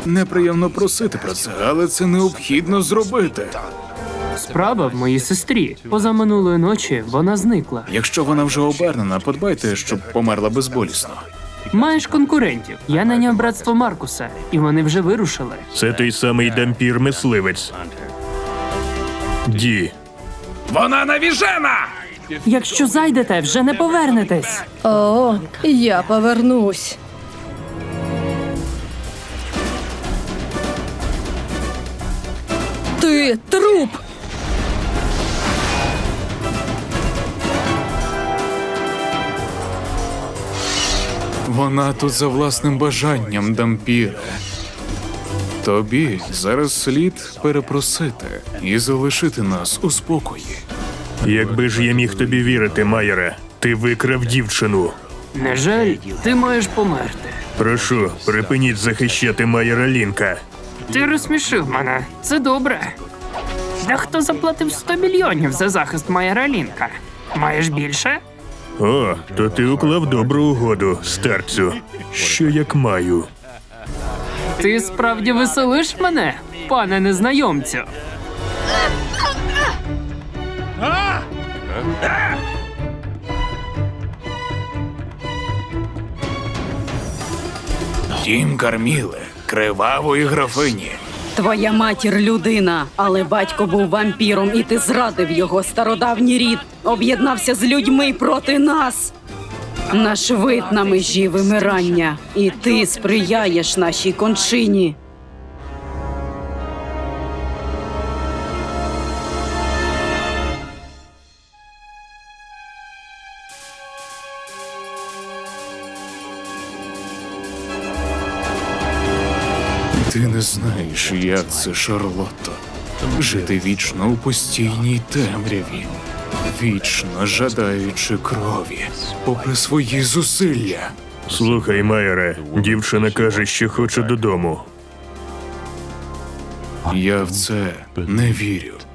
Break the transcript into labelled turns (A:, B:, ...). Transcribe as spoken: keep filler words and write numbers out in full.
A: Неприємно просити про це, але це необхідно зробити.
B: Справа в моїй сестрі. Позаминулої ночі вона зникла.
A: Якщо вона вже обернена, подбайте, щоб померла безболісно.
B: Маєш конкурентів. Я наняв братство Маркуса, і вони вже вирушили.
C: Це той самий дампір-мисливець. Ді.
A: Вона навіжена!
B: Якщо зайдете, вже не повернетесь.
D: О, я повернусь. Ти труп!
A: Вона тут за власним бажанням, дампіре. Тобі зараз слід перепросити і залишити нас у спокої.
C: Якби ж я міг тобі вірити, Майере, ти викрав дівчину.
B: Не жаль, ти маєш померти.
C: Прошу, припиніть захищати Майера Лінка.
B: Ти розсмішив мене. Це добре. Дехто заплатив сто мільйонів за захист Майера Лінка. Маєш більше?
C: О, то ти уклав добру угоду, старцю. Що як маю?
B: Ти справді веселиш мене, пане незнайомцю?
A: Дім Карміле, кривавої графині.
D: Твоя матір людина, але батько був вампіром, і ти зрадив його стародавній рід. Об'єднався з людьми проти нас. Наш вид на межі вимирання, і ти сприяєш нашій кончині.
A: Ти не знаєш, як це, Шарлотто. Жити вічно у постійній темряві, вічно жадаючи крові, попри свої зусилля.
C: Слухай, Майере, дівчина каже, що хоче додому.
A: Я в це не вірю.